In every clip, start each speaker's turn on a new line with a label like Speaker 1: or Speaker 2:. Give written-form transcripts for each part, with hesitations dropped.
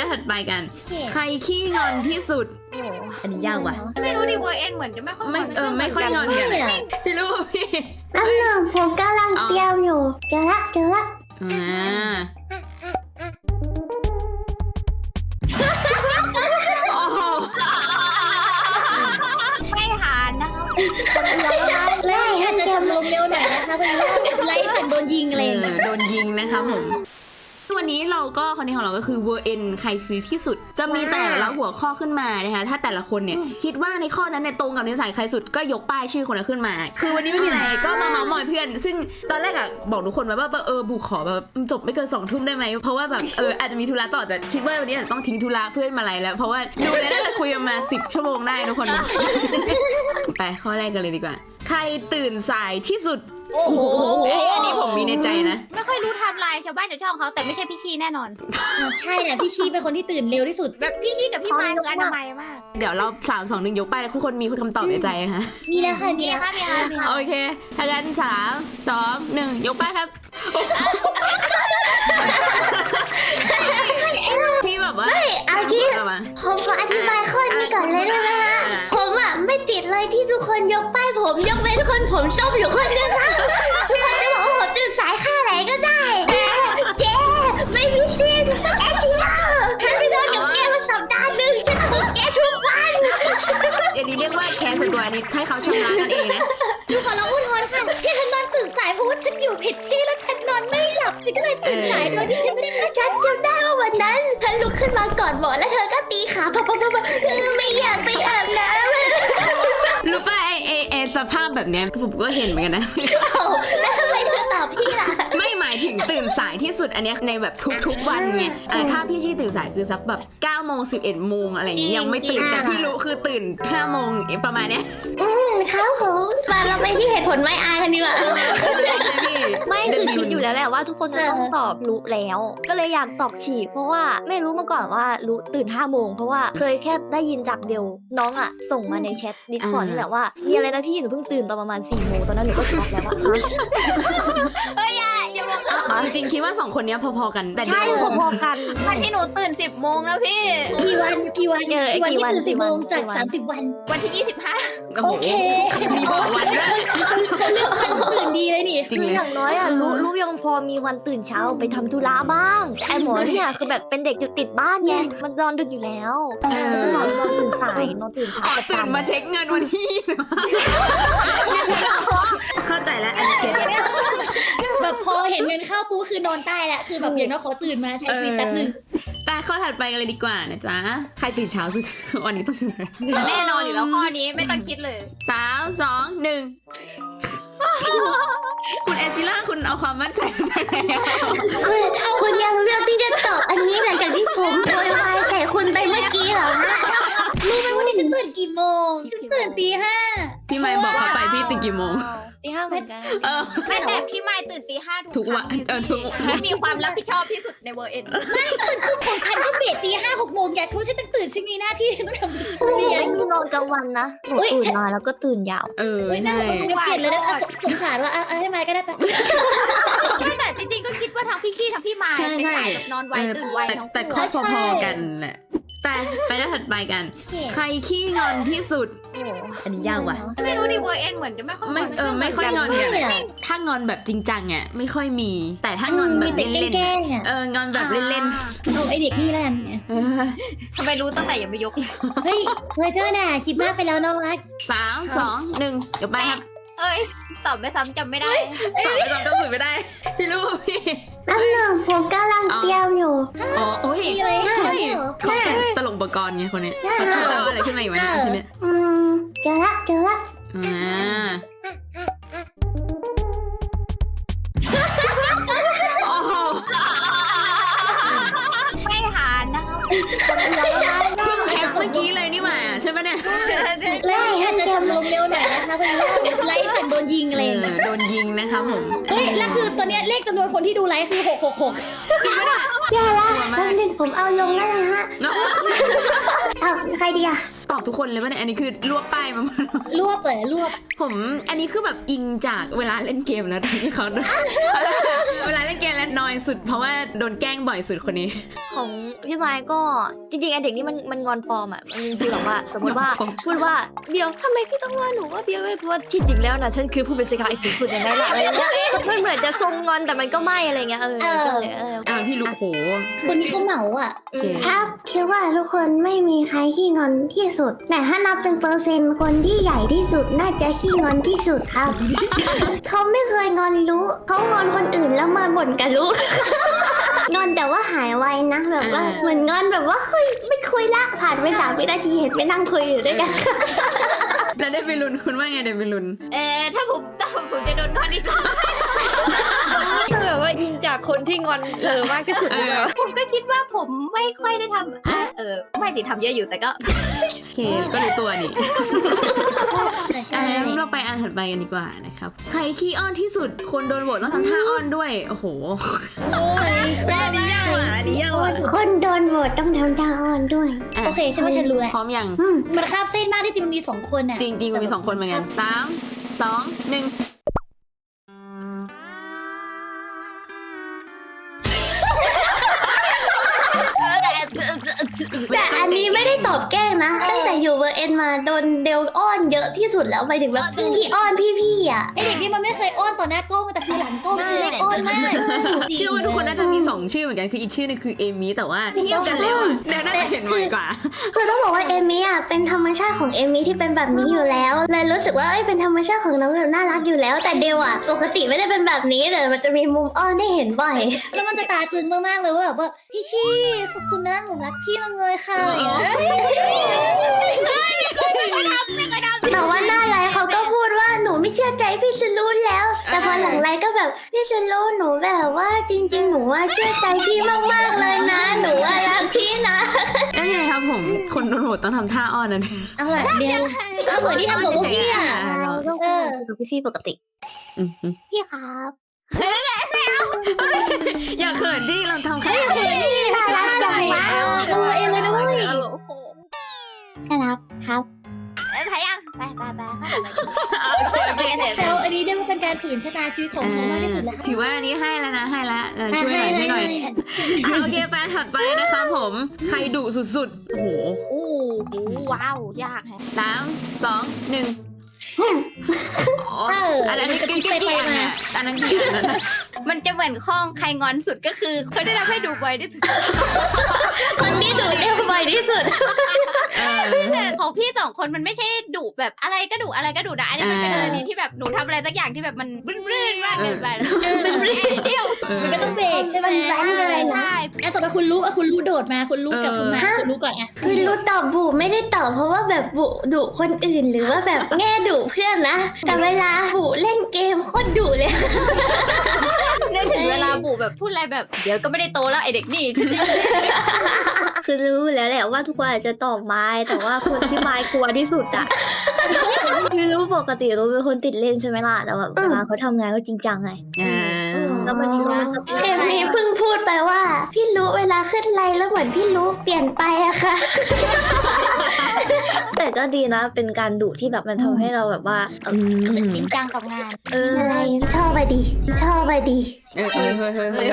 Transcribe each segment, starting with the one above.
Speaker 1: ด้านถัดไปกันใครขี้งอนที่สุดอันนี้ยากว่ะ
Speaker 2: ไม่รู้ดิเวอร์เอ็นเหมือนจะไม่ค่อย
Speaker 1: ไม่ค่อยงอนกันพี่รู้พี่
Speaker 3: น้ำหนึ่งผมกำลังเตรียมอยู่เจอละ
Speaker 1: โอ้โห
Speaker 2: ไม่หานนะคะ
Speaker 3: เล่น
Speaker 4: อาจจะ
Speaker 3: เกม
Speaker 4: ทำลมเร็วหน่อยนะคะเป็นไลฟ์สันโดนยิงอะไรอย่างเงี้ย
Speaker 1: โดนยิงนะคะผมวันนี้เราก็คอนเทนต์ของเราก็คือ VN ใครคือที่สุดจะมีแต่ละหัวข้อขึ้นมานะคะถ้าแต่ละคนเนี่ยคิดว่าในข้อนั้นเนี่ยตรงกับนิสัยใครสุดก็ยกป้ายชื่อคนนั้นขึ้นมา คือวันนี้ไม่มีอะไรก็มาเมาท์มอยเพื่อนซึ่งตอนแรกอะบอกทุกคนว่าบุกขอแบบจบไม่เกิน2 ทุ่มได้ไหมเพราะว่าแบบอาจจะมีธุระต่อแต่คิดว่าวันนี้อาจจะต้องทิ้งธุระเพื่อนมาอะไรแล้วเพราะว่าดูแล้วน่าจะคุยกันมา10 ชั่วโมงได้ทุกคน ไปข้อแรกกันเลยดีกว่าใครตื่นสายที่สุด
Speaker 2: โอ้โห
Speaker 1: อันนี้ผมมีในใจนะ
Speaker 2: ไม่ค่อยรู้ไทม์ไลน์ชาวบ้านชาวช่องเขาแต่ไม่ใช่พี่ชีแน่นอน
Speaker 4: ใช่นะพี่ชีเป็นคนที่ตื่นเร็วที่สุด
Speaker 2: แบบพี่ชีกับพี่ไม้คืออนามัยมาก
Speaker 1: เดี๋ยวเรา3 2 1ยกไปแล้วทุกคนมีคำตอบในใจนะคะ
Speaker 4: มีแล้วค่ะมี
Speaker 2: มี
Speaker 4: แล้ว
Speaker 2: ค่ะมีค่ะมีค่ะ
Speaker 1: โอเคถ้างั้น3 2 1ยกไปครับพี่แบบว่า
Speaker 3: เอางี้ผมขออธิบายข้อนี้ก่อนเลยได้ไหมฮะผมอ่ะไม่ติดเลยที่ทุกคนยกป้ายผมยกเว้นคนผมส้มอยู่คนนึงค่ะทุกคนจะบอกว่าผมตื่นสายค่าไหนก็ได้เจ๊ไม่มีสิ้นแอชิล่าฉันไปนอนกับแกมาสัปดาห์หนึ่งฉันคุกแกทุกวัน
Speaker 1: อันนี้เรียกว่าแคนส่วนตัวอันนี้ให้เขาชำระกันเองนะ
Speaker 4: ดูขอเราอุทธรณ์ค่ะที่ฉันนอนตื่นสายเพราะว่าฉันอยู่ผิดที่แล้วฉันนอนไม่หลับฉันก็เลยตื่นสายโดยที่ฉันไม่ได้
Speaker 3: ฉันจำได้ว่าวันนั้นเธอลุกขึ้นมาก่อนหมอแล้วเธอก็ตีขาพอไม่อยากไปอาบน้ำ
Speaker 1: รู้ป่ะไอสภาพแบบเนี้ยผมก็เห็นเหมือนกันนะ
Speaker 3: แล้วทำไมเธอตอบพี่ล่ะ
Speaker 1: ไม่หมายถึงตื่นสายที่สุดอันเนี้ยในแบบทุกวันไงถ้าพี่ชี่ตื่นสายคือสักแบบ9 โมง 11 โมงอะไรอย่างเงี้ยยังไม่ตื่นแต่พี่รู้คือตื่น5 โมงประมาณเนี้ย
Speaker 3: ครับผมมาเราไปที่เหตุผลไม่อายกันดีกว่า
Speaker 5: ไม่คือคิดอยู่แล้วแหละว่าทุกคนจะต้องตอบรู้แล้ว ก็เลยอยากตอบฉีกเพราะว่าไม่รู้มาก่อนว่ารู้ตื่น5 โมงเพราะว่าเคยแค่ได้ยินจากเดียวน้องอ่ะส่งมาในแชทดิสคอร์ดนี่แหละว่ามีอะไรนะพี่หนูเพิ่งตื่นตอนประมาณ4 โมงตอนนั้นหนูก็ช็อกแล้วว่า
Speaker 2: เฮ้ยอย่าบอกเขา
Speaker 1: จริงๆคิดว่า2 คนเนี้ยพอๆกันแต่
Speaker 5: ใช่พอๆกัน
Speaker 2: วันที่หนูตื่น10 โมงนะพี่
Speaker 4: กี่วันที่ตื่น10 โมงจาก30 วัน
Speaker 2: วันที่ 25
Speaker 4: โอเค
Speaker 1: มีบอกวันด้วย
Speaker 4: เขาเลือกคันตื่นดีเลยนี่
Speaker 1: จริง
Speaker 5: คือ
Speaker 1: เลย
Speaker 5: อย่างน้อยอ่ะรู้ยังพอมีวันตื่นเช้าไปทำธุระบ้างแต่ไอหมอเนี่ยคือแบบเป็นเด็กจุดติดบ้านไงมันนอนดึกอยู่แล้วจะนอนตื่นสายนอนตื่นเช้า
Speaker 1: ตื่นมาเช็คเงินวันที่เข้าใจแล้วอันนี้เก็ตแล้ว
Speaker 4: แบบพอเห็นเงินเข้าปุ๊บคือนอนใต้แหละคือแบบอย่างน้อยขอตื่นมาใช้ชีวิตแป๊บนึง
Speaker 1: ไปข้อถัดไปกันเลยดีกว่านะจ๊ะใครตื่นเช้าสุดวันนี้ต้อง
Speaker 2: แน่นอนอยู่แล้วข้อนี้ไม่ต้องคิดเลย
Speaker 1: 3 2 1คุณเอชิล่าคุณเอาความมั่นใจไปแล้ว
Speaker 3: คุณยังเลือกที่จะตอบอันนี้หลังจากที่ผมโวยวายใส่คุณไปเมื่อกี้เหรอฮะ
Speaker 4: รู้ไหมว่านี่ฉันตื่นกี่โมงฉันตื่นตี 5
Speaker 1: พี่ไม่บอกเขาไปพี่ตื่นกี่โมง
Speaker 5: ตี 5เหมือนกัน
Speaker 2: ไม่แต่พี่ไม้ตื่นตี 5
Speaker 1: ทุกวันทุก
Speaker 2: ที่มีความรับผิดชอบที่สุดในเวอร์เอ็น
Speaker 4: ของฉันก็เบรตี 5-6 โมงอย่าช่วยฉันต้องตื่นฉันมีหน้าที่ต้องทำทุกช่วง
Speaker 5: หนู
Speaker 4: นี้
Speaker 5: ไม่มีนอนกลางวันนะหนูตื่นมาแล้วก็ตื่นยาว
Speaker 4: น่า
Speaker 1: ใช่
Speaker 4: เปลี่ยนเลยนะสงสารว่าให้มาก็ได้ปะ
Speaker 2: ไม่แต่จริงๆก็คิดว่าทั้งพี่ชี่ทั้งพี่ไม้
Speaker 1: ใช่
Speaker 2: เป็น
Speaker 1: ใช่
Speaker 2: สายแบบนอนไวตื่นไวทั้ง
Speaker 1: แต่ข้อพอๆกันแหละไปด้านถัดไปกัน ใครขี้งอนที่สุดอันนี้ยากว่ะ
Speaker 2: ไม่รู้ดิเวอร์เอ็นเหมือนจะไม่ค่อย
Speaker 1: ไม่ค่อยงอนกันถ้างอนแบบจริงจังอ่ะไม่ค่อยมีแต่ถ้างอนแบบเล่น
Speaker 4: แกล้งอ่ะ
Speaker 1: งอนแบบเล่น
Speaker 4: เอาไอเด็กนี่แล้วกัน
Speaker 2: ทำไมรู้ตั้งแต่ยังไม่ยกเลย
Speaker 4: เฮ้ยเพอเจอน่ะคิดมากไปแล้วน้องรัก
Speaker 1: 3 2 1ยกไปครับ
Speaker 2: เอ้ยตอบไม่ซ้ำจำไม่ได้
Speaker 1: ตอบไปตอบต้องสุดไม่ได้พี่รู้พี่
Speaker 3: น้ำหนึ่งผมกำลังเตรียมอยู่
Speaker 1: โอ้ย
Speaker 4: มีอะไรให้
Speaker 1: เขา
Speaker 4: เหรอ
Speaker 1: เป็นตลกอุปกรณ์ไงคนนี้เขาจะเอาอะไรขึ้นมาอีกวะเนี่ยทีเนี้ย
Speaker 3: เจอละ
Speaker 1: โอ้โห
Speaker 2: ไม่หานนะคะ
Speaker 1: แคปเมื่อกี้เลยนี่หว่าใช่ไหมเนี่ย
Speaker 4: เล่นอาจจะทำลมเร็วหน่อยนะคะเป็นไลฟ์สันโดนยิงอะไรอย่างเงี้ย
Speaker 1: โดนยิงนะคะผม
Speaker 4: เฮ้ยแล้วคือตอนนี้เลขจำนวนคนที่ดูไลฟ์คือ666
Speaker 1: จริงไหมเนี่ย
Speaker 3: แย่ละแป๊บนึงผมเอาลงแล้วนะฮะเอาใครดีอะ
Speaker 1: ตอบทุกคนเลยป่ะเนี่ยอันนี้คือรวบป้ายมาหมด
Speaker 4: รวบเลยรวบ
Speaker 1: ผมอันนี้คือแบบอิงจากเวลาเล่นเกมแล้วที่เขา เวลาเล่นเกมแล้วนอยสุดเพราะว่าโดนแกล้งบ่อยสุดคนนี้
Speaker 5: ของพี่ไม้ก็จริงๆไอเด็กนี่มันงอนปลอมอ่ะมันจริงๆแบบว่าสมมติว่าพูดว่าเดี๋ยวทำไมพี่ต้องว่าหนูว่าเบียร์ไม่พูดที่จริงแล้วนะฉันคือผู้เป็นจักรไอ้สุดสุดอย่างนั้นแหละอะไรเงี้ยมันเหมือนจะทรงงอนแต่มันก็ไม่อะไรเงี้ยก็เลย
Speaker 1: พี่ลูกโห
Speaker 4: คนนี้เขาเหมาอ่ะ
Speaker 1: โอเค
Speaker 3: ครับคิดว่าทุกคนไม่มีใครขี้งอนที่สุด แต่ถ้านับเป็นเปอร์เซ็นต์คนที่ใหญ่ที่สุดน่าจะขี้งอนที่สุดครับ เขาไม่เคยงอนรู้เขางอนคนอื่นแล้วมาบ่นกับรู้ งอนแต่ว่าหายไวนะแบบว่าเหมือนงอนแบบว่าเฮ้ยไม่คุยละผ่านไป3 วินาทีเห็นไปนั่งคุยอยู่ด้วยกัน
Speaker 1: แล้วได้ไปลุ้นคุณว่าไงได้ไปลุ้น
Speaker 2: ถ้าผมจะโดนงอนอีกรอบ
Speaker 5: แบบว่ายิงจากคนที่งอนมากที่สุดเลย
Speaker 2: ผมก็คิดว่าผมไม่ค่อยได้ทำไม่ได้ทำเยอะอยู่แต่ก็
Speaker 1: โอเคก็รู้ตัวนี่เราไปอันถัดไปกันดีกว่านะครับใครขี้อ้อนที่สุดคนโดนโหวตต้องทำท่าอ้อนด้วยโอ้โหแม่นี้ยากว่ะนี้ยากว่ะ
Speaker 3: คนโดนโหวตต้องทำท่าอ้อนด้วย
Speaker 4: โอเคใช่ไหมฉันรู้แล้ว
Speaker 1: พร้อมยัง
Speaker 4: มันคาบเส้นมากที่จริงมันมี2 คนอ่ะ
Speaker 1: จริงๆมันมี2 คนเหมือนกัน3 2 1
Speaker 3: แต่อันนี้ไม่ได้ตอบแกล้งนะตั้งแต่อยู่เวอร์เอ็นมาโดนเดลอ้อนเยอะที่สุดแล้วไปถึงแบบที่อ้อนพี่ๆอ่ะ
Speaker 4: ไอเด็กนี่มันไม่เคยอ้อนต่อหน้ากล้องแต่คือหลังกล้องคือเล็กอ้อนมาก
Speaker 1: เชื่อว่าทุกคนน่าจะมี2 ชื่อเหมือนกันคืออีกชื่อนึงคือเอมี่แต่ว่าเทียบกันแล้วอ่ะเดี๋ยวน่าจะเห็นบ่อยกว่า
Speaker 3: คือต้องบอกว่าเอมี่อ่ะเป็นธรรมชาติของเอมี่ที่เป็นแบบนี้อยู่แล้วเลยรู้สึกว่าเป็นธรรมชาติของน้องแบบน่ารักอยู่แล้ว แต่เดลอ่ะปกติไม่ได้เป็นแบบนี้แต่มันจะมีมุมอ้อนได้เห็นบ่อย
Speaker 4: แล้วมันจะตาตึงมากๆเลยว่าแบบว่าพี่ชี่ขอบคุณนะหนูรักพี่มากเลยค่ะ
Speaker 3: แต่ว่าหน้าไลฟ์เขาก็พูดว่าหนูไม่เชื่อใจพี่ซูรุแล้ว แต่พอหลังไลฟ์ก็แบบพี่ซูรุหนูแบบว่าจริงๆหนูว่าเชื่อใจพี่มากๆเลยนะ หนูว่ารักพี่นะ
Speaker 1: แล้วไงครับผมคนโดนโหวตต้องทำท่าอ้อนนั่น
Speaker 4: เอาละเดี๋ยวเอาเหมือนที่ทำกับพวกพี่อ่ะ
Speaker 5: ต้องกับพี่ๆปกติ
Speaker 3: พี่ครับ
Speaker 1: อย่าเขินดิเราทำแค่
Speaker 3: น่ารักจังวะ
Speaker 4: ตัวเองเลยด้วย
Speaker 3: ครับครับ
Speaker 2: ถ่ายยังไปเข้าไป
Speaker 4: แล้วอันนี้เรียกว่าเป็นการฝืนชะตาชีวิตของเขามากที่สุดแล้ว
Speaker 1: ถือว่าอันนี้ให้แล้วนะให้แล้วช่วยหน่อยโอเคไปถัดไปนะครับผมใครดุสุดๆโอ้โห
Speaker 2: โอ้โหว้าวยากแฮะ
Speaker 1: 3 2 1อันนั้นกี่อันเนี่ยอันนั้นกี่อันนั้น
Speaker 2: มันจะเหมือนข้องใครงอนสุดก็คือคนที่ทำให้ดูบ่อยที่สุด
Speaker 3: คนนี้ดุเอวบ่อยที่สุด
Speaker 2: แต่ของพี่2 คนมันไม่ใช่ดุแบบอะไรก็ดุอะไรก็ดุนะอันนี้มันเป็นอะไรที่แบบหนูทำอะไรสักอย่างที่แบบมันรื่นๆมากเกินไปแล้วมันเดียว
Speaker 4: มันก็ต้องเบรกใช่ไหม
Speaker 3: มันแว้นเลยนะ
Speaker 2: ใช่
Speaker 4: ต่อไปคุณรู้โดดมาคุณรู้กับคุณมาคุณรู้ก่อนไง
Speaker 3: คือรู้ตอบบุไม่ได้ตอบเพราะว่าแบบบุดุคนอื่นหรือว่าแบบแง่ดุเพื่อนนะ แต่เวลาบุเล่นเกมโคตรดุเลย
Speaker 2: นึกถึงเวลาบูแบบพูดอะไรแบบเดี๋ยวก็ไม่ได้โตแล้วไอเด็กนี่
Speaker 5: คือรู้แล้วแหละว่าทุกคนอาจจะตอบไม้แต่ว่าคนที่ไม้กลัวที่สุดอะคือรู้ปกติรู้เป็นคนติดเล่นใช่ไหมล่ะแต่แบบเวลาเขาทำงานก็จริงจังไงแล้วมันจะ
Speaker 3: เอมมี่เพิ่งพูดไปว่า พี่รู้เวลาขึ้นไลน์แล้วเหมือนพี่รู้เปลี่ยนไปอะค่ะ
Speaker 5: แต่ก็ดีนะเป็นการดุที่แบบมันทำให้เราแบบว่า
Speaker 2: จริงจังกับงาน
Speaker 3: อะไรชอบไปดีชอบไปดี
Speaker 1: เฮ้ย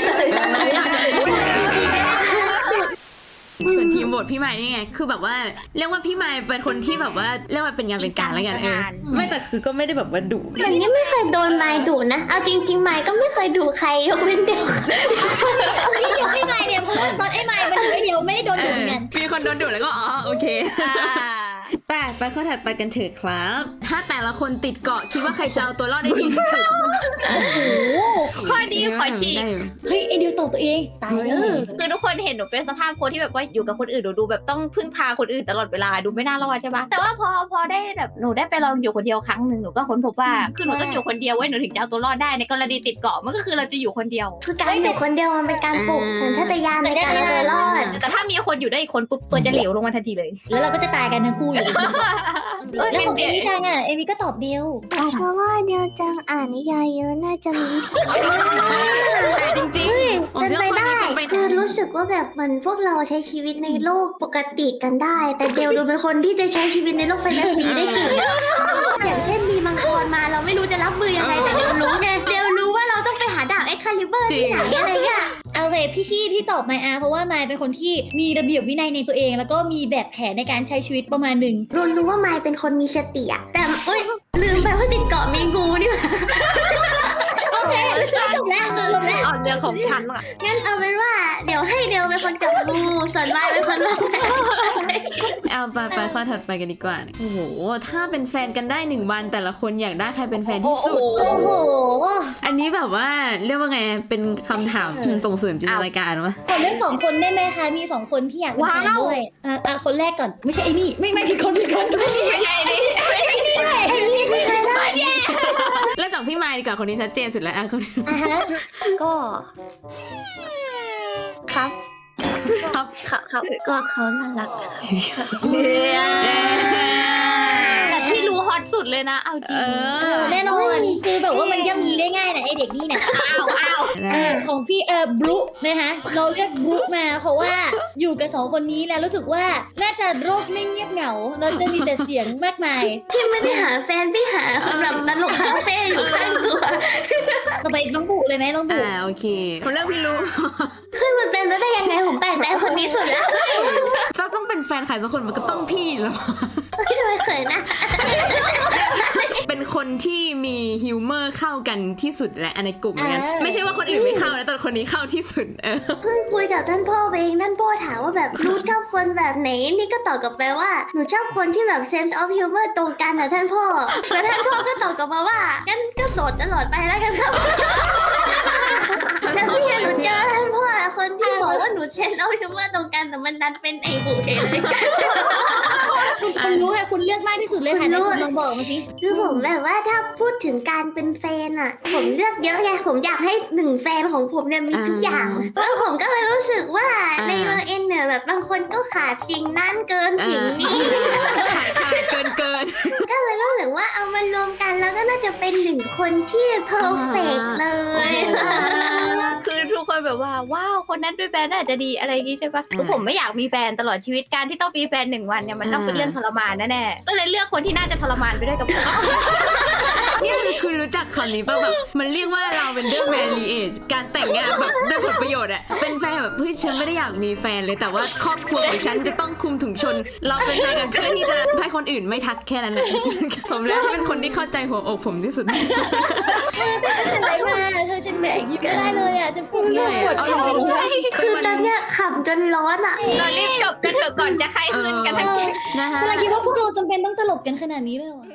Speaker 1: ส่วนทีมโหวตพี่ไม้นี่ไงคือแบบว่าเรียกว่าพี่ไม้เป็นคนที่แบบว่าเรียกว่าเป็นงานเป็นการแล้วกันไม่แต่คือก็ไม่ได้แบบว่าดุ
Speaker 3: แต่นี่ไม่เคยโดนไม้ดุนะเอาจริงๆไม้ก็ไม่เคยดุใครยกเว้นเดียว
Speaker 4: นี่เดี๋ยวให้ไมค์เนี่ยเพราะว่าตอนไอ้ไมค์มันเดียวไม่ได้โดนดุเหมือนกัน
Speaker 1: มีคนโดนดุแล้วก็โอเคไปข้อถัดไปกันเถอะครับ ถ้าแต่ละคนติดเกาะคิดว่าใครจะเอาตัวรอดได้ดีที่สุด
Speaker 2: ข้อดีขอฉีก
Speaker 4: เฮ้ยไอเดียวตอบตัวเองตายเลย
Speaker 2: คือทุกคนเห็นหนูเป็นสภาพคนที่แบบว่าอยู่กับคนอื่นหนูดูแบบต้องพึ่งพาคนอื่นตลอดเวลาดูไม่น่ารอดใช่ปะแต่ว่าพอได้แบบหนูได้ไปลองอยู่คนเดียวครั้งหนึ่งหนูก็ค้นพบว่าคือหนูต้องอยู่คนเดียวไว้หนูถึงจะเอาตัวรอดได้ในกรณีติดเกาะมันก็คือเราจะอยู่คนเดียว
Speaker 3: คือการอยู่คนเดียวมันเป็นการปลุกสัญชาตญาณในการเอาตัวรอด
Speaker 2: แต่ถ้ามีคนอยู่ด้วยอีกคนปุ๊บตัวจะเหลวลงมาทันทีเลย
Speaker 4: แล้วเราก็จะตายกันทั้งคู่อยู่ดี
Speaker 2: เออ
Speaker 4: แล้วของ
Speaker 2: เดี๋ยว
Speaker 4: เอมี่จังอ่ะเอมี่ก็ตอบเดียว
Speaker 3: เพราะว่าเดียวจังอ่านนิยายเยอะน่าจะมี
Speaker 1: แต่จริงๆผม
Speaker 3: เป็น
Speaker 1: เชื่อ
Speaker 3: ไป
Speaker 1: ว่า
Speaker 3: ได้
Speaker 1: ข้อนี้เป็นไป
Speaker 3: คือ
Speaker 1: ได้
Speaker 3: รู้สึกว่าแบบเหมือนพวกเราใช้ชีวิตในโลกปกติกันได้ แต่เดียวดูเป็นคนที่จะใช้ชีวิตในโลกแฟนตาซีได้เก่งอะอย่างเช่นมีมังกรมาเราไม่รู้จะรับมือยังไงแต่เดียวรู้ไงเดียวรู้ว่าเราต้องไปหาดาบเอ็กคาลิเบอร์ที่ไหนอะไรเงี้ย
Speaker 4: เอาเลยพี่ชี่ที่ตอบไมอาเพราะว่าไมายเป็นคนที่มีระเบียบวินัยในตัวเอง แล้วก็มีแบบแผนในการใช้ชีวิตประมาณหนึ่ง
Speaker 3: รู้ว่าไมายเป็นคนมีสติอะแต่เอ้ยลืมไปว่าติดเกาะมีงูนี่หว่า
Speaker 4: โอเคจบแล้วจบแล้ว
Speaker 5: อ่อนเรื่องของฉันอ่ะ
Speaker 3: งั้นเอาเป็นว่าเดี๋ยวให้เดียวเป็นคนจับงูส่วนไมายเป็นคนวางแผน
Speaker 1: เอาไปข้อถัดไปกันดีกว่า โอ้โห ถ้าเป็นแฟนกันได้1 วันแต่ละคนอยากได้ใครเป็นแฟนที่สุด
Speaker 4: โอ้โห
Speaker 1: อันนี้แบบว่าเรียกว่าไง เป็นคำถามส่งเสริมจินตนาการวะ
Speaker 4: ขอเลือก2 คนได้ไหมคะ มี 2 คนที่อยากเป็นแฟนด้วยคนแรกก่อน ไม่ใช่ไอ้นี่ ไม่ผิดคนไม่ใช่ไอ้นี่
Speaker 3: ไอ้นี่ไม่เคยได้
Speaker 1: เริ่มจากพี่ไมค์ดีกว่าคนนี้ชัดเจนสุดแล้วอ่ะคนนี้
Speaker 3: อ่ะฮะ
Speaker 5: ก็ครับ
Speaker 1: ครับ
Speaker 5: ครับก็เขาน่ารัก
Speaker 2: แต่พี่รู้ฮอตสุดเลยนะเอาจริง
Speaker 4: แน่นอนคือแบบว่ามันย่ำยีได้ง่ายนะไอเด็กนี่เนี่ย ของพี่บลุนะคะเราเรียกบลุมาเพราะว่าอยู่กับ2 คนนี้แล้วรู้สึกว่าน่าจะโรคไม่เงียบเหงาเราจะมีแต่เสียงมากมาย
Speaker 3: พี่ไม่ได้หาแฟนพี่หาคนแบบตลกคาเฟ่อยู่ข้างตัว
Speaker 4: ต่อไปน้องบุเลยไหมน้องบุ
Speaker 1: โอเคคนเริ่มพี่รู้
Speaker 3: คือมันเป็นไปได้ยังไงผมแปลกใจคนนี้สุดแล้ว
Speaker 1: ต้องเป็นแฟนใครสักคนมันก็ต้องพี่แล้ว
Speaker 3: ไม่เคยนะ
Speaker 1: เป็นคนที่มีฮิวเมอร์เข้ากันที่สุดแหละในกลุ่มนั้นไม่ใช่ว่าคนอื่นไม่เข้านะแต่คนนี้เข้าที่สุด
Speaker 3: เพิ่งคุยกับท่านพ่อเองท่านพ่อถามว่าแบบรู้ชอบคนแบบไหนนี่ก็ตอบกลับไปว่าหนูชอบคนที่แบบ sense of humor ตรงกันนะท่านพ่อแล้วท่านพ่อก็ตอบกลับมาว่างั้นก็โสดตลอดไปแล้วกันครับแล้วพี่หนูเจอท่านพ่อคนที่บอกว่าหนู sense of humor ตรงกันแต่มันดันเป็นไอ้บุเฉยเลย
Speaker 4: คุณรู้ค่ะคุณเลือกมากที่สุดเลยค่ะ
Speaker 3: คุณรู้
Speaker 4: คุณลองบอกมาสิ
Speaker 3: คือผมแบบว่าถ้าพูดถึงการเป็นแฟนอะผมเลือกเยอะไงผมอยากให้1 แฟนของผมเนี่ยมีทุกอย่างแล้วผมก็เลยรู้สึกว่าในเมืองเอ็นเนี่ยแบบบางคนก็ขาดสิ่งนั้นเกินสิ่งนี้
Speaker 1: ขาดเกิน
Speaker 3: ก็เลยรู้สึกว่าเอามารวมกันแล้วก็น่าจะเป็น1 คนที่เพอร์เฟกเลย
Speaker 2: คือทุกคนแบบว่าว้าวคนนั้นเป็นแฟนน่าจะดีอะไรอย่างงี้ใช่ปะคือผมไม่อยากมีแฟนตลอดชีวิตการที่ต้องมีแฟน1 วันเนี่ยมันต้องเป็นเรื่องทรมานแน่ๆก็เลยเลือกคนที่น่าจะทรมานไปด้วยกับผม
Speaker 1: เนี่ยคือรู้จักคำนี้ป่ะแบบมันเรียกว่าเราเป็นเรื่อง marriage การแต่งงานแบบด้วยผลประโยชน์อะเป็นแฟนแบบเฮ้ยฉันไม่ได้อยากมีแฟนเลยแต่ว่าครอบครัวของฉันจะต้องคุมถุงชน เราเป็นแฟนกันเพื่อที่จะให้คนอื่นไม่ทักแค่นั้นแหละ ผมแล้วที่เป็นคนที่เข้าใจหัวอกผมที่สุด
Speaker 4: อะไรมาเธอฉันเหนื่อยยิ้มไม่ได้เลยอ่ะฉันปวดหัวปวด
Speaker 1: เอา
Speaker 4: ท้อง
Speaker 1: จริงๆใช่
Speaker 3: คือตอนเนี้ยขำจนร้อนอะ
Speaker 2: เรารีบจบกันเถอะก่อนจะไข้ขึ้นกันทั้งแก๊ง
Speaker 1: นะคะ
Speaker 4: กำลังคิดว่าพวกเราจำเป็นต้องตลกกันขนาดนี้เลยเหรอ